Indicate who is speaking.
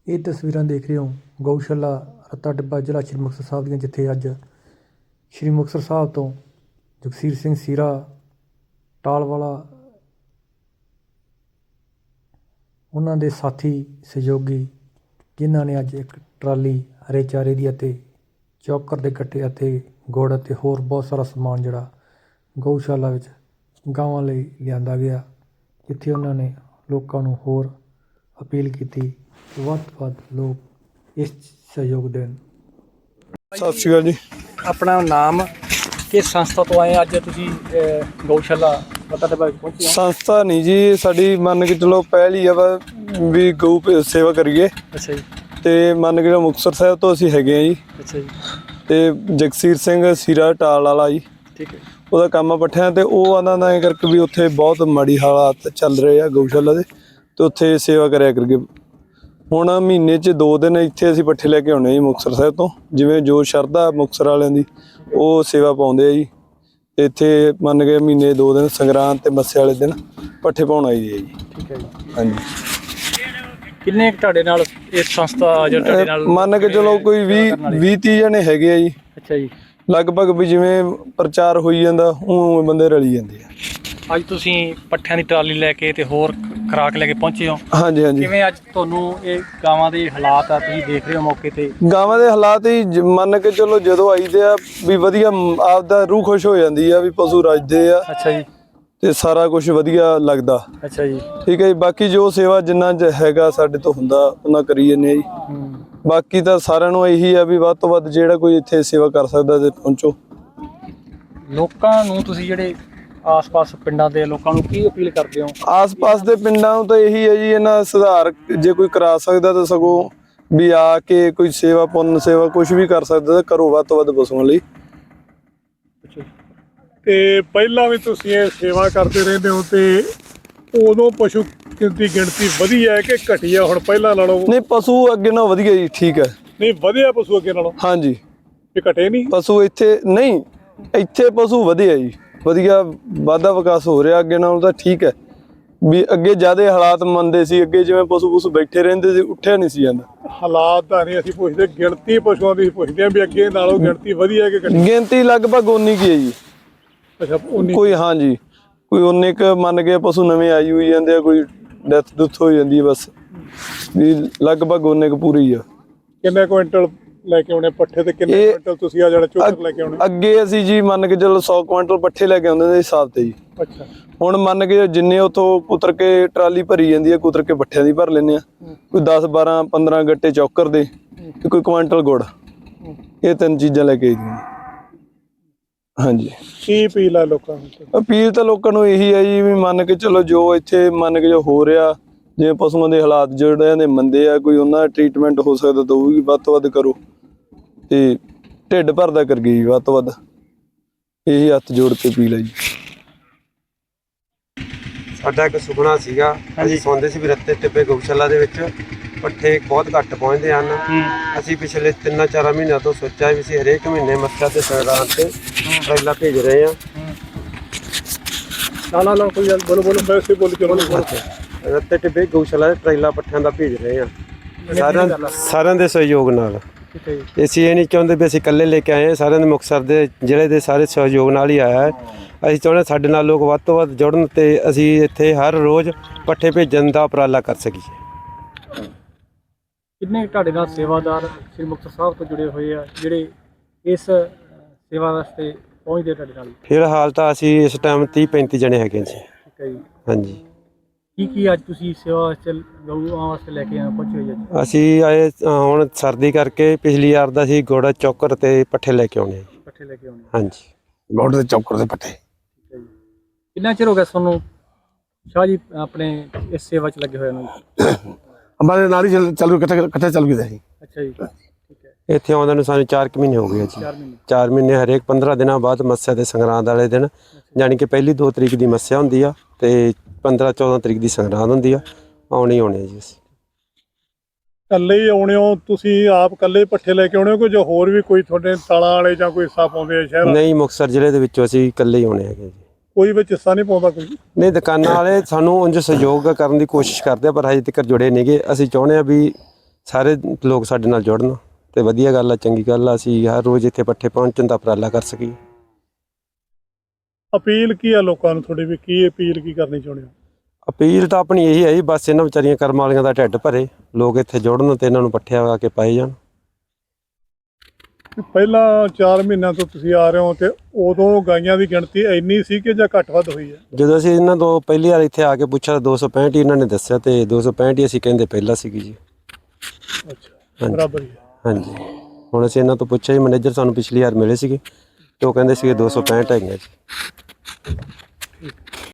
Speaker 1: ਇਹ ਤਸਵੀਰਾਂ ਦੇਖ ਰਹੇ ਹੋ ਗਊਸ਼ਾਲਾ ਰੱਤਾ ਟਿੱਬਾ ਜ਼ਿਲ੍ਹਾ ਸ਼੍ਰੀ ਮੁਕਤਸਰ ਸਾਹਿਬ ਦੀਆਂ, ਜਿੱਥੇ ਅੱਜ ਸ਼੍ਰੀ ਮੁਕਤਸਰ ਸਾਹਿਬ ਤੋਂ ਜਗਸੀਰ ਸਿੰਘ ਸੀਰਾ ਟਾਲਵਾਲਾ ਉਹਨਾਂ ਦੇ ਸਾਥੀ ਸਹਿਯੋਗੀ, ਜਿਨ੍ਹਾਂ ਨੇ ਅੱਜ ਇੱਕ ਟਰਾਲੀ ਹਰੇ ਚਾਰੇ ਦੀ ਅਤੇ ਚੌਕਰ ਦੇ ਕੱਟੇ ਅਤੇ ਗੁੜ ਅਤੇ ਹੋਰ ਬਹੁਤ ਸਾਰਾ ਸਮਾਨ ਜਿਹੜਾ ਗਊਸ਼ਾਲਾ ਵਿੱਚ ਗਾਵਾਂ ਲਈ ਲਿਆਂਦਾ ਗਿਆ, ਜਿੱਥੇ ਉਹਨਾਂ ਨੇ ਲੋਕਾਂ ਨੂੰ ਹੋਰ ਅਪੀਲ ਕੀਤੀ ਵੱਧ ਤੋਂ ਵੱਧ ਲੋਕ ਇਸ ਸਹਿਯੋਗ ਦੇਣ।
Speaker 2: ਸਤਿ ਸ਼੍ਰੀ ਅਕਾਲ ਜੀ।
Speaker 1: ਆਪਣਾ ਨਾਮ, ਕਿਸ ਸੰਸਥਾ ਤੋਂ ਆਏ ਅੱਜ ਤੁਸੀਂ ਗਊਸ਼ਾਲਾ ਰੱਤਾ ਟਿੱਬਾ ਪਹੁੰਚੇ?
Speaker 2: ਸੰਸਥਾ ਨਹੀਂ ਜੀ, ਸਾਡੀ ਮੰਨ ਕੇ ਚਲੋ ਪਹਿਲ ਹੀ ਆ ਵੀ ਗਊ ਸੇਵਾ ਕਰੀਏ।
Speaker 1: ਅੱਛਾ ਜੀ।
Speaker 2: ਤੇ ਮੰਨ ਕੇ ਮੁਕਤਸਰ ਸਾਹਿਬ ਤੋਂ ਅਸੀਂ ਹੈਗੇ ਆ ਜੀ।
Speaker 1: ਅੱਛਾ ਜੀ।
Speaker 2: ਤੇ ਜਗਸੀਰ ਸਿੰਘ ਸੀਰਾ ਟਾਲ ਵਾਲਾ ਜੀ,
Speaker 1: ਠੀਕ ਹੈ।
Speaker 2: ਉਹਦਾ ਕੰਮ ਆ ਪੱਠਿਆਂ ਤੇ ਉਹ ਆਂਦਾ ਨਾ ਕਰਕੇ ਵੀ ਉੱਥੇ ਬਹੁਤ ਮਾੜੀ ਹਾਲਾਤ ਚੱਲ ਰਹੇ ਆ ਗਊਸ਼ਾਲਾ ਦੇ, ਤੇ ਉੱਥੇ ਸੇਵਾ ਕਰਿਆ ਕਰਕੇ ਹੁਣ ਮਹੀਨੇ 'ਚ 2 ਦਿਨ ਇੱਥੇ ਅਸੀਂ ਪੱਠੇ ਲੈ ਕੇ ਆਉਣੇ ਜੀ ਮੁਕਤਸਰ ਸਾਹਿਬ ਤੋਂ, ਜਿਵੇਂ ਜੋ ਸ਼ਰਧਾ ਮੁਕਤਸਰ ਵਾਲਿਆਂ ਦੀ ਉਹ ਸੇਵਾ ਪਾਉਂਦੇ ਆ ਜੀ। ਇੱਥੇ ਮੰਨ ਕੇ ਮਹੀਨੇ 2 ਦਿਨ ਸੰਗਰਾਂਦ ਤੇ ਮੱਸੇ ਵਾਲੇ ਦਿਨ ਪੱਠੇ ਪਾਉਣ ਆਈ ਹੈ ਜੀ।
Speaker 1: ਠੀਕ ਹੈ ਜੀ।
Speaker 2: ਹਾਂਜੀ।
Speaker 1: ਕਿੰਨੇ ਤੁਹਾਡੇ ਨਾਲ ਇਸ ਸੰਸਥਾ ਜਾਂ ਤੁਹਾਡੇ ਨਾਲ
Speaker 2: ਮੰਨ ਕੇ ਚਲੋ ਕੋਈ 20-30 ਜਣੇ ਹੈਗੇ ਆ ਜੀ।
Speaker 1: ਅੱਛਾ ਜੀ।
Speaker 2: ਲਗਭਗ ਵੀ ਜਿਵੇਂ ਪ੍ਰਚਾਰ ਹੋਈ ਜਾਂਦਾ ਉਹ ਬੰਦੇ ਰਲੀ ਜਾਂਦੇ ਆ।
Speaker 1: ਅੱਜ ਤੁਸੀਂ ਪੱਠਿਆਂ ਦੀ ਟਰਾਲੀ ਲੈ ਕੇ ਤੇ ਹੋਰ ਖੁਰਾਕ ਲੈ ਕੇ ਪਹੁੰਚੇ ਹੋ।
Speaker 2: ਹਾਂਜੀ ਹਾਂਜੀ।
Speaker 1: ਕਿਵੇਂ ਅੱਜ ਤੁਹਾਨੂੰ ਇਹ ਗਾਵਾਂ ਦੇ ਹਾਲਾਤ ਆ, ਤੁਸੀਂ ਦੇਖ ਰਹੇ ਹੋ ਮੌਕੇ ਤੇ?
Speaker 2: ਗਾਵਾਂ ਦੇ ਹਾਲਾਤ ਹੀ ਮੰਨ ਕੇ ਚਲੋ ਜਦੋਂ ਆਈਦੇ ਆ ਵੀ ਵਧੀਆ, ਆਪਦਾ ਰੂਹ ਖੁਸ਼ ਹੋ ਜਾਂਦੀ ਆ ਵੀ ਪਸ਼ੂ ਰੱਜਦੇ ਆ।
Speaker 1: ਅੱਛਾ ਜੀ।
Speaker 2: ਤੇ ਸਾਰਾ ਕੁਝ ਵਧੀਆ ਲੱਗਦਾ।
Speaker 1: ਅੱਛਾ ਜੀ।
Speaker 2: ਠੀਕ ਹੈ ਜੀ। ਬਾਕੀ ਜੋ ਸੇਵਾ ਜਿੰਨਾ ਹੈਗਾ ਸਾਡੇ ਤੋਂ ਹੁੰਦਾ ਉਹਨਾਂ ਕਰੀ ਜਾਂਦੇ ਆ ਜੀ। ਬਾਕੀ ਤਾਂ ਸਾਰਿਆਂ ਨੂੰ ਇਹੀ ਆ ਵੀ ਵੱਧ ਤੋਂ ਵੱਧ ਜਿਹੜਾ ਕੋਈ ਇੱਥੇ ਸੇਵਾ ਕਰ ਸਕਦਾ ਤੇ ਪਹੁੰਚੋ।
Speaker 1: ਲੋਕਾਂ ਨੂੰ ਤੁਸੀਂ ਜਿਹੜੇ ਆਸ-ਪਾਸ ਪਿੰਡਾਂ ਦੇ ਲੋਕਾਂ ਨੂੰ ਕੀ ਅਪੀਲ ਕਰਦੇ ਹੋ?
Speaker 2: ਆਸ-ਪਾਸ ਦੇ ਪਿੰਡਾਂ ਨੂੰ ਤਾਂ ਇਹੀ ਹੈ ਜੀ, ਇਹਨਾਂ ਸੁਧਾਰ ਜੇ ਕੋਈ ਕਰਾ ਸਕਦਾ ਤਾਂ ਸਗੋਂ ਵੀ ਆ ਕੇ ਕੋਈ ਸੇਵਾ ਪੁੰਨ ਸੇਵਾ ਕੁਝ ਵੀ ਕਰ ਸਕਦਾ ਤਾਂ ਕਰੋ ਵੱਧ ਤੋਂ ਵੱਧ ਪਸ਼ੂਆਂ ਲਈ।
Speaker 3: ਤੇ ਪਹਿਲਾਂ ਵੀ ਤੁਸੀਂ ਇਹ ਸੇਵਾ ਕਰਦੇ ਰਹਿੰਦੇ ਹੋ ਤੇ ਉਦੋਂ ਪਸ਼ੂ ਦੀ ਗਿਣਤੀ ਵਧੀ ਹੈ ਕਿ ਘਟੀ ਹੈ ਹੁਣ ਪਹਿਲਾਂ ਨਾਲੋਂ?
Speaker 2: ਨਹੀਂ, ਪਸ਼ੂ ਅੱਗੇ ਨਾਲੋਂ ਵਧੀਆ ਜੀ। ਠੀਕ ਹੈ।
Speaker 3: ਨਹੀਂ, ਵਧਿਆ ਪਸ਼ੂ ਅੱਗੇ ਨਾਲੋਂ?
Speaker 2: ਹਾਂਜੀ।
Speaker 3: ਇਹ ਘਟੇ ਨਹੀਂ
Speaker 2: ਪਸ਼ੂ ਇੱਥੇ? ਨਹੀਂ, ਇੱਥੇ ਪਸ਼ੂ ਵਧਿਆ ਜੀ, ਵਧੀਆ ਵਾਧਾ ਵਿਕਾਸ ਹੋ ਰਿਹਾ ਅੱਗੇ ਨਾਲੋਂ ਤਾਂ। ਠੀਕ ਹੈ ਵੀ ਅੱਗੇ ਜ਼ਿਆਦਾ ਹਾਲਾਤ ਮੰਦੇ ਸੀ, ਅੱਗੇ ਜਿਵੇਂ ਪਸ਼ੂ ਬੈਠੇ ਰਹਿੰਦੇ ਸੀ, ਉੱਠਿਆ ਨਹੀਂ ਸੀ ਜਾਂਦਾ।
Speaker 3: ਹਾਲਾਤ ਤਾਂ ਨਹੀਂ ਅਸੀਂ ਪੁੱਛਦੇ, ਗਿਣਤੀ ਪਸ਼ੂਆਂ ਦੀ ਪੁੱਛਦੇ ਆ ਵੀ ਅੱਗੇ ਨਾਲੋਂ ਗਿਣਤੀ ਵਧੀ ਹੈ ਕਿ ਘਟੀ?
Speaker 2: ਗਿਣਤੀ ਲਗਭਗ ਉਨੀ ਕੀ ਹੈ ਜੀ।
Speaker 3: ਅੱਛਾ, ਉਨੀ?
Speaker 2: ਕੋਈ ਹਾਂਜੀ, ਕੋਈ ਉਨੇ ਕੁ ਮੰਨ ਕੇ ਪਸ਼ੂ ਨਵੇਂ ਆਈ ਹੋਈ ਜਾਂਦੇ ਆ, ਕੋਈ ਡੈਥ ਡੁੱਥ ਹੋ ਜਾਂਦੀ ਹੈ, ਬਸ ਵੀ ਲਗਭਗ ਉਨੇ ਕੁ ਪੂਰੀ ਆ।
Speaker 3: ਕਿੰਨੇ ਕੁਇੰਟਲ ਲੈ ਕੇ ਆਉਣੇ ਪੱਠੇ ਤੇ ਕਿੰਨੇ ਕੁਇੰਟਲ ਤੁਸੀਂ ਆ ਜਿਹੜਾ ਝੋਟਰ ਲੈ ਕੇ ਆਉਣੇ?
Speaker 2: ਅੱਗੇ ਅਸੀਂ ਜੀ ਮੰਨ ਕੇ ਚਲੋ 100 ਕੁਇੰਟਲ ਪੱਠੇ ਲੈ ਕੇ ਆਉਂਦੇ ਦੇ ਹਿਸਾਬ ਤੇ ਜੀ।
Speaker 3: ਅੱਛਾ।
Speaker 2: ਹੁਣ ਮੰਨ ਕੇ ਜਿੰਨੇ ਉਥੋਂ ਕੁਤਰ ਕੇ ਟਰਾਲੀ ਭਰੀ ਜਾਂਦੀ ਹੈ, ਕੁਤਰ ਕੇ ਪੱਠਿਆਂ ਦੀ ਭਰ ਲੈਂਦੇ ਆ। ਕੋਈ 10-12-15 ਗੱਟੇ ਚੌਕਰ ਦੇ ਤੇ ਕੋਈ ਕੁਇੰਟਲ ਗੁੜ, ਇਹ 3 ਚੀਜ਼ਾਂ ਲੈ ਕੇ ਆਈ ਦੀਆਂ। ਹਾਂਜੀ।
Speaker 3: ਕੀ ਅਪੀਲ ਆ ਲੋਕਾਂ ਨੂੰ?
Speaker 2: ਅਪੀਲ ਤਾਂ ਲੋਕਾਂ ਨੂੰ ਇਹੀ ਹੈ ਜੀ ਵੀ ਮੰਨ ਕੇ ਚਲੋ ਜੋ ਇੱਥੇ ਮੰਨ ਕੇ ਜੋ ਹੋ ਰਿਹਾ, ਜਿਵੇਂ ਪਸ਼ੂਆਂ ਦੇ ਹਾਲਾਤ ਜਿਹੜੇ ਨੇ ਮੰਦੇ ਆ, ਕੋਈ ਉਹਨਾਂ ਦਾ ਟ੍ਰੀਟਮੈਂਟ ਹੋ ਸਕਦਾ ਤਾਂ ਉਹ ਵੀ ਵੱਧ ਤੋਂ ਵੱਧ ਕਰੋ ਤੇ ਢਿੱਡ ਭਰਦਾ ਕਰ ਗਈ ਵੱਧ ਤੋਂ ਵੱਧ, ਇਹੀ ਹੱਥ ਜੋੜ ਕੇ ਅਪੀਲ ਹੈ ਜੀ।
Speaker 4: ਸਾਡਾ ਇੱਕ ਸੁਪਨਾ ਸੀਗਾ, ਅਸੀਂ ਸੁਣਦੇ ਸੀ ਵੀ ਰੱਤੇ ਟਿੱਬੇ ਗਊਸ਼ਾਲਾ ਦੇ ਵਿੱਚ ਪੱਠੇ ਬਹੁਤ ਘੱਟ ਪਹੁੰਚਦੇ ਹਨ। ਅਸੀਂ ਪਿਛਲੇ 3-4 ਮਹੀਨਿਆਂ ਤੋਂ ਸੋਚਿਆ ਵੀ ਅਸੀਂ ਹਰੇਕ ਮਹੀਨੇ ਮੱਸਿਆ ਤੇ ਸੰਗਰਾਂਦ ਤੇ ਟਰੇਲਾ ਭੇਜ ਰਹੇ ਹਾਂ।
Speaker 3: ਨਾ ਕੋਈ ਗੱਲ ਬੋਲੋ ਵੈਸੇ ਬੋਲ ਕੇ
Speaker 4: ਰੱਤੇ ਟਿੱਬੇ ਗਊਸ਼ਾਲਾ ਦੇ ਟਰੇਲਾ ਪੱਠਿਆਂ ਦਾ ਭੇਜ ਰਹੇ ਹਾਂ ਸਾਰਿਆਂ ਦੇ ਸਹਿਯੋਗ ਨਾਲ। ਅਸੀਂ ਇਹ ਨਹੀਂ ਚਾਹੁੰਦੇ ਵੀ ਅਸੀਂ ਇਕੱਲੇ ਲੈ ਕੇ ਆਏ ਹਾਂ, ਸਾਰਿਆਂ ਦੇ ਮੁਕਤਸਰ ਦੇ ਜ਼ਿਲ੍ਹੇ ਦੇ ਸਾਰੇ ਸਹਿਯੋਗ ਨਾਲ ਹੀ ਆਇਆ ਹੈ। ਅਸੀਂ ਚਾਹੁੰਦੇ ਸਾਡੇ ਨਾਲ ਲੋਕ ਵੱਧ ਤੋਂ ਵੱਧ ਜੁੜਨ ਤੇ ਅਸੀਂ ਇੱਥੇ ਹਰ ਰੋਜ਼ ਪੱਠੇ ਭੇਜਣ ਦਾ ਉਪਰਾਲਾ ਕਰ ਸਕੀਏ।
Speaker 1: ਕਿੰਨੇ ਤੁਹਾਡੇ ਨਾਲ ਸੇਵਾਦਾਰ ਸ੍ਰੀ ਮੁਕਤਸਰ ਸਾਹਿਬ ਤੋਂ ਜੁੜੇ ਹੋਏ ਆ ਜਿਹੜੇ ਇਸ ਸੇਵਾ ਵਾਸਤੇ ਪਹੁੰਚਦੇ ਤੁਹਾਡੇ ਨਾਲ?
Speaker 4: ਫਿਲਹਾਲ ਤਾਂ ਅਸੀਂ ਇਸ ਟਾਈਮ 30-35 ਜਣੇ ਹੈਗੇ ਜੀ।
Speaker 1: ਠੀਕ ਹੈ ਜੀ।
Speaker 4: ਹਾਂਜੀ।
Speaker 1: ਕੀ ਅੱਜ ਤੁਸੀਂ ਸੇਵਾ ਵਾਸਤੇ ਗਊਆਂ ਵਾਸਤੇ ਲੈ ਕੇ ਪਹੁੰਚੇ ਹੋਏ ਜੀ?
Speaker 4: ਅਸੀਂ ਆਏ ਹੁਣ ਸਰਦੀ ਕਰਕੇ, ਪਿਛਲੀ ਵਾਰ ਦਾ ਅਸੀਂ ਗੁੜ ਚੌਕਰ ਤੇ ਪੱਠੇ ਲੈ ਕੇ ਆਉਣੇ ਜੀ।
Speaker 1: ਪੱਠੇ ਲੈ ਕੇ ਆਉਣੇ?
Speaker 4: ਹਾਂਜੀ।
Speaker 5: ਗੁੜ ਦੇ ਚੌਕਰ ਦੇ ਪੱਠੇ।
Speaker 1: ਠੀਕ ਹੈ ਜੀ। ਕਿੰਨਾ ਚਿਰ ਹੋ ਗਿਆ ਤੁਹਾਨੂੰ ਸ਼ਾਹ ਜੀ ਆਪਣੇ ਇਸ ਸੇਵਾ 'ਚ ਲੱਗੇ ਹੋਏ ਨੂੰ?
Speaker 5: ਹਮਾਰੇ ਨਾਲ ਹੀ ਚੱਲ ਇਕੱਠੇ ਚੱਲ ਗਏ ਸੀ।
Speaker 1: ਅੱਛਾ ਜੀ। ਠੀਕ ਹੈ।
Speaker 4: ਇੱਥੇ ਆਉਂਦੇ ਨੂੰ ਸਾਨੂੰ 4 ਮਹੀਨੇ ਹੋ ਗਏ ਜੀ। 4 ਮਹੀਨੇ ਹਰੇਕ 15 ਦਿਨਾਂ ਬਾਅਦ ਮੱਸਿਆ ਤੇ ਸੰਗਰਾਂਦ ਵਾਲੇ ਦਿਨ, ਜਾਣੀ ਕਿ ਪਹਿਲੀ 2 ਤਰੀਕ ਦੀ ਮੱਸਿਆ ਹੁੰਦੀ ਆ ਤੇ 15-14 ਤਰੀਕ ਦੀ ਸੰਗਰਾਂਦ ਹੁੰਦੀ ਆ। ਆਉਣੇ ਜੀ ਅਸੀਂ।
Speaker 3: ਇਕੱਲੇ ਹੀ ਆਉਣੇ ਹੋ ਤੁਸੀਂ? ਆਪ ਇਕੱਲੇ ਪੱਠੇ ਲੈ ਕੇ ਆਉਣੇ ਹੋ ਕਿ ਜੋ ਹੋਰ ਵੀ ਕੋਈ ਤੁਹਾਡੇ ਤਾਲਾਂ ਵਾਲੇ ਜਾਂ ਕੋਈ ਹਿੱਸਾ ਪਾਉਂਦੇ ਆ ਸ਼ਹਿਰ?
Speaker 4: ਨਹੀਂ, ਮੁਕਤਸਰ ਜ਼ਿਲ੍ਹੇ ਦੇ ਵਿੱਚੋਂ ਅਸੀਂ ਇਕੱਲੇ ਹੀ ਆਉਣੇ ਹੈਗੇ ਜੀ।
Speaker 3: ਕੋਈ ਵਿੱਚ ਹਿੱਸਾ ਨਹੀਂ ਪਾਉਂਦਾ ਕੋਈ?
Speaker 4: ਨਹੀਂ, ਦੁਕਾਨਾਂ ਵਾਲੇ ਸਾਨੂੰ ਉਂਝ ਸਹਿਯੋਗ ਕਰਨ ਦੀ ਕੋਸ਼ਿਸ਼ ਕਰਦੇ ਆ ਪਰ ਹਜੇ ਤੱਕ ਜੁੜੇ ਨਹੀਂਗੇ। ਅਸੀਂ ਚਾਹੁੰਦੇ ਆ ਵੀ ਸਾਰੇ ਲੋਕ ਸਾਡੇ ਨਾਲ ਜੁੜਨ ਤੇ ਵਧੀਆ ਗੱਲ ਆ, ਚੰਗੀ ਗੱਲ ਆ। ਅਸੀਂ ਹਰ ਰੋਜ਼ ਇੱਥੇ ਪੱਠੇ ਪਹੁੰਚਣ ਦਾ ਉਪਰਾਲਾ ਕਰ ਸਕੀਏ।
Speaker 3: ਅਪੀਲ ਕੀ ਆ ਲੋਕਾਂ ਨੂੰ ਤੁਹਾਡੀ ਵੀ ਕੀ ਅਪੀਲ ਕੀ ਕਰਨੀ ਚਾਹੁੰਦੇ ਹੋ?
Speaker 4: ਅਪੀਲ ਤਾਂ ਆਪਣੀ ਇਹੀ ਹੈ ਜੀ, ਬਸ ਇਹਨਾਂ ਵਿਚਾਰੀਆਂ ਕਰਮ ਵਾਲੀਆਂ ਦਾ ਢਿੱਡ ਭਰੇ, ਲੋਕ ਇੱਥੇ ਜੁੜਨ ਤੇ ਇਹਨਾਂ ਨੂੰ ਪੱਠੇ ਆ ਕੇ ਪਾਏ ਜਾਣ।
Speaker 3: ਪਹਿਲਾਂ 4 ਮਹੀਨਿਆਂ ਤੋਂ ਤੁਸੀਂ ਆ ਰਹੇ ਹੋ ਤੇ ਉਦੋਂ ਗਾਈਆਂ ਦੀ ਗਿਣਤੀ ਇੰਨੀ ਸੀ ਕਿ ਜਾਂ ਘੱਟ ਵੱਧ ਹੋਈ ਹੈ?
Speaker 4: ਜਦੋਂ ਅਸੀਂ ਇਹਨਾਂ ਤੋਂ ਪਹਿਲੀ ਵਾਰ ਇੱਥੇ ਆ ਕੇ ਪੁੱਛਿਆ 265 ਹੀ ਇਹਨਾਂ ਨੇ ਦੱਸਿਆ, ਤੇ 265 ਹੀ ਅਸੀਂ ਕਹਿੰਦੇ ਪਹਿਲਾਂ ਸੀਗੀ ਜੀ।
Speaker 3: ਅੱਛਾ,
Speaker 4: ਹਾਂਜੀ।
Speaker 3: ਬਰਾਬਰ ਹੀ ਹੈ।
Speaker 4: ਹਾਂਜੀ, ਹੁਣ ਅਸੀਂ ਇਹਨਾਂ ਤੋਂ ਪੁੱਛਿਆ ਜੀ, ਮੈਨੇਜਰ ਸਾਨੂੰ ਪਿਛਲੀ ਵਾਰ ਮਿਲੇ ਸੀਗੇ ਤੇ ਉਹ ਕਹਿੰਦੇ ਸੀਗੇ 265 ਹੈਗੀਆਂ ਜੀ।